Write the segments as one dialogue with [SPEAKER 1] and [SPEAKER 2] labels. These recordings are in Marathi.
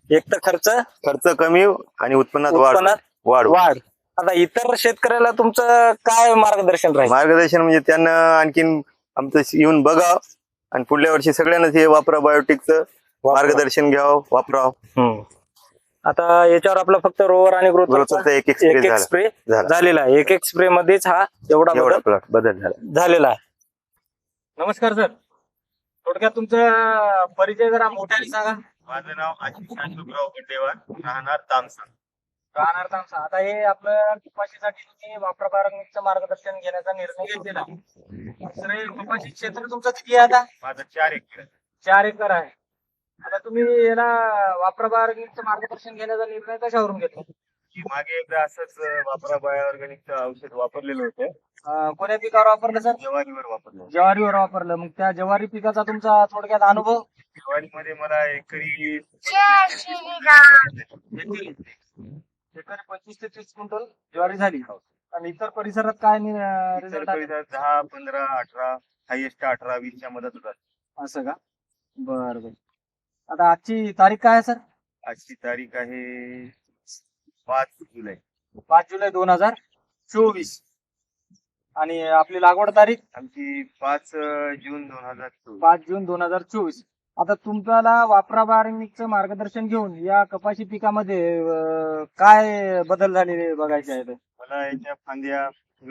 [SPEAKER 1] एक तर
[SPEAKER 2] खर्च कमी आणि उत्पन्नात वाढ.
[SPEAKER 1] आता इतर शेतकऱ्याला तुमचं काय मार्गदर्शन राहील?
[SPEAKER 2] मार्गदर्शन म्हणजे त्यांना आणखीन आमचं येऊन बघावं आणि पुढल्या वर्षी सगळ्यांनाच हे वापरा बायोटिकचं मार्गदर्शन घ्यावं, वापरावं.
[SPEAKER 1] आता याच्यावर आपला फक्त रोवर आणि ग्रोथरचा
[SPEAKER 2] एक
[SPEAKER 1] स्प्रे झालेला आहे. एक स्प्रे मध्येच हा एवढा
[SPEAKER 2] बदल
[SPEAKER 1] झालेला आहे. नमस्कार सर, थोडक्यात तुमचा परिचय जरा मोठ्याने सांगा.
[SPEAKER 2] माझं नाव आशिष अशोकराव गड्डेवार, राहणार तामसा.
[SPEAKER 1] आता हे आपलं कपाशीसाठी तुम्ही वापरा बायोटिकचं मार्गदर्शन घेण्याचा निर्णय घेतलेला आहे. तर हे कपाशी क्षेत्र तुमचं किती आहे आता?
[SPEAKER 2] माझं 4 एकर.
[SPEAKER 1] 4 एकर आहे. आता तुम्ही याला वापरा बायोटिकचं मार्गदर्शन घेण्याचा निर्णय कशावरून घेतला?
[SPEAKER 2] मागे एकदा असंच वापरा बायोऑर्गॅनिकचं औषध वापरलेलं होतं.
[SPEAKER 1] कोण्या पिकावर वापरलं सर?
[SPEAKER 2] ज्वारीवर वापरलं.
[SPEAKER 1] ज्वारीवर वापरलं. मग त्या ज्वारी पिकाचा तुमचा थोडक्यात अनुभव?
[SPEAKER 2] ज्वारीमध्ये मला एकरी
[SPEAKER 1] 25 ते 30 क्विंटल ज्वारी झाली. आणि इतर परिसरात काय रिझल्ट?
[SPEAKER 2] 10, 15, 18, हायएस्ट 18, 20 च्या मदत होतात.
[SPEAKER 1] असं का? बरं. आता आजची तारीख काय आहे सर?
[SPEAKER 2] आजची तारीख आहे 5 जुलै.
[SPEAKER 1] 5 जुलै 2024. आणि आपली लागवड तारीख?
[SPEAKER 2] आमची 5 जून 2024.
[SPEAKER 1] 5 जून 2024. आता तुम्हाला वापरा बायोटिकचं मार्गदर्शन घेऊन या कपाशी पिकामध्ये काय बदल झालेले बघायचे आहेत?
[SPEAKER 2] मला याच्या फांद्या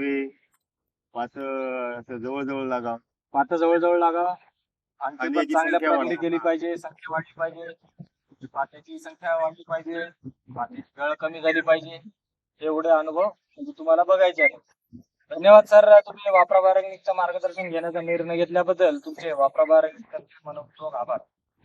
[SPEAKER 2] असं जवळ लागावं.
[SPEAKER 1] पात जवळ लागावं. आणखी
[SPEAKER 2] फांद्याची
[SPEAKER 1] चांगल्या
[SPEAKER 2] संख्या
[SPEAKER 1] प्रकारे केली पाहिजे, संख्या वाढली पाहिजे, पात्याची संख्या वाढली पाहिजे, पात्याची गळ कमी झाली पाहिजे. एवढे अनुभव म्हणजे तुम्हाला बघायचे आहेत. धन्यवाद सर, तुम्ही वापरा बायोटिकचं मार्गदर्शन घेण्याचा निर्णय घेतल्याबद्दल तुमचे वापरा बायोटिकचे मनपूर्वक आभार.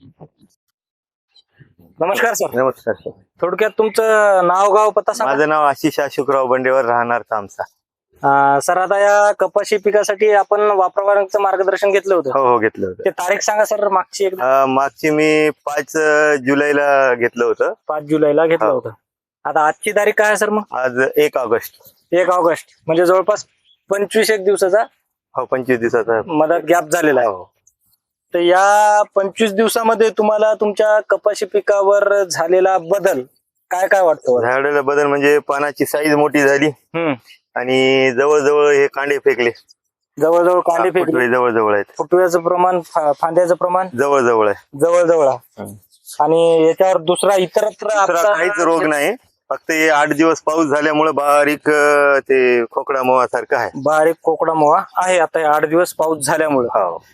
[SPEAKER 1] नमस्कार सर.
[SPEAKER 2] नमस्कार सर.
[SPEAKER 1] थोडक्यात तुमचं नाव, गाव, पत्ता सांगा.
[SPEAKER 2] माझं नाव आशिष अशोकराव बंडेवर, राहणार तामसा.
[SPEAKER 1] सर, आता या कपाशी पिकासाठी आपण वापरा बायोटिकचं मार्गदर्शन घेतलं होतं.
[SPEAKER 2] हो घेतलं होतं.
[SPEAKER 1] ते तारीख सांगा सर मागची एकदा.
[SPEAKER 2] मागची मी 5 जुलैला घेतलं होतं.
[SPEAKER 1] 5 जुलैला घेतलं होतं. आता आजची तारीख काय आहे सर? मग
[SPEAKER 2] आज 1 ऑगस्ट.
[SPEAKER 1] 1 ऑगस्ट म्हणजे जवळपास 25 दिवसाचा
[SPEAKER 2] 25 दिवसाचा
[SPEAKER 1] मदत गॅप झालेला आहे. तर या 25 दिवसामध्ये तुम्हाला तुमच्या कपाशी पिकावर झालेला बदल काय वाटतो?
[SPEAKER 2] झालेला बदल म्हणजे पानाची साईज मोठी झाली आणि जवळजवळ हे कांडे फेकले.
[SPEAKER 1] जवळजवळ कांडे फेकले.
[SPEAKER 2] जवळजवळ आहेत.
[SPEAKER 1] फुटव्याचं प्रमाण, फांद्याचं प्रमाण
[SPEAKER 2] जवळजवळ
[SPEAKER 1] आहे. आणि याच्यावर दुसरा इतरत्र
[SPEAKER 2] काहीच रोग नाही. फक्त हे 8 दिवस पाऊस झाल्यामुळे बारीक ते खोकडा मोहा सारखं आहे.
[SPEAKER 1] बारीक कोकडा मोहा आहे. आता 8 दिवस पाऊस झाल्यामुळे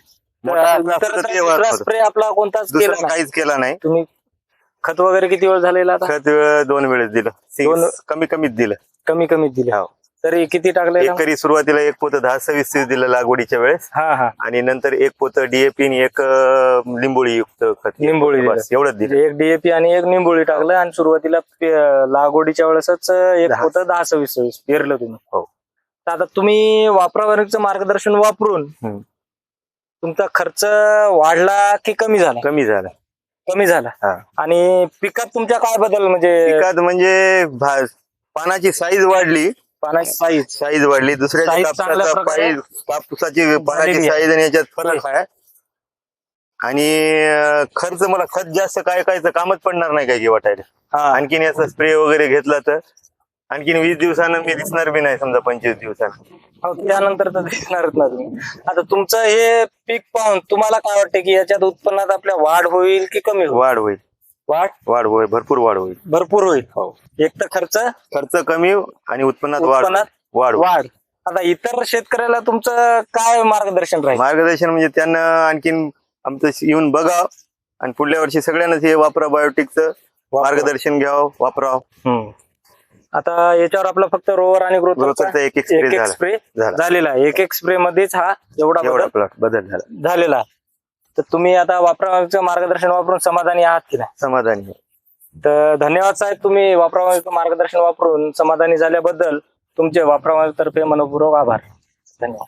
[SPEAKER 1] स्प्रे आपला कोणताच
[SPEAKER 2] काहीच केला नाही.
[SPEAKER 1] तुम्ही खत वगैरे किती वेळ झालेला?
[SPEAKER 2] खत 2 वेळेस दिलं. कमीत दिलं.
[SPEAKER 1] कमीत दिलं. तरी किती टाकले?
[SPEAKER 2] एकरी सुरुवातीला 1 पोतं 10-26 दिलं लागवडीच्या वेळेस. आणि नंतर 1 पोतं DAP आणि 1 लिंबोळी युक्त खत.
[SPEAKER 1] लिंबोळी
[SPEAKER 2] एवढंच दिलं.
[SPEAKER 1] 1 DAP आणि 1 निंबोळी टाकलं. आणि सुरुवातीला लागवडीच्या वेळेसच 1 पोतं 10-26 पेरलं तुम्ही.
[SPEAKER 2] हो.
[SPEAKER 1] तर आता तुम्ही वापरा बायोटिकचं मार्गदर्शन वापरून तुमचा खर्च वाढला की कमी झाला? कमी झाला. आणि पिकात तुमच्या काय बदल?
[SPEAKER 2] पिकात म्हणजे पानाची साईज वाढली. साईज वाढली. दुसऱ्या कापसाची पानाची साईज आणि याच्यात फरक आहे. आणि खर्च मला खत जास्त काय कामच पडणार नाही काय की वाटायला. आणखीन याचा स्प्रे वगैरे घेतला तर आणखीन 20 दिवसानं मी दिसणार बी नाही. समजा 25 दिवसानं
[SPEAKER 1] त्यानंतर तर दिसणारच ना तुम्ही. आता तुमचं हे पीक पाहून तुम्हाला काय वाटतं की याच्यात उत्पन्नात आपल्या वाढ होईल की कमी?
[SPEAKER 2] वाढ होईल. भरपूर वाढ होईल.
[SPEAKER 1] एक तर
[SPEAKER 2] खर्च कमी आणि उत्पन्नात वाढ.
[SPEAKER 1] आता इतर शेतकऱ्याला तुमचं काय मार्गदर्शन राहील?
[SPEAKER 2] मार्गदर्शन म्हणजे त्यांना आणखीन आमचं येऊन बघावं आणि पुढल्या वर्षी सगळ्यांनाच हे वापरा बायोटिकचं मार्गदर्शन घ्यावं, वापरावं.
[SPEAKER 1] आता याच्यावर आपला फक्त रोवर आणि ग्रोथरचा एक स्प्रे झालेला आहे. एक स्प्रे मध्येच हा एवढा
[SPEAKER 2] बदल
[SPEAKER 1] झालेला आहे. तर तुम्ही आता वापरा मार्गदर्शन वापरून समाधानी आहात की नाही?
[SPEAKER 2] समाधानी.
[SPEAKER 1] तर धन्यवाद साहेब, तुम्ही वापरा मार्गदर्शन वापरून समाधानी झाल्याबद्दल तुमचे वापरा तर्फे मनपूर्वक आभार. धन्यवाद.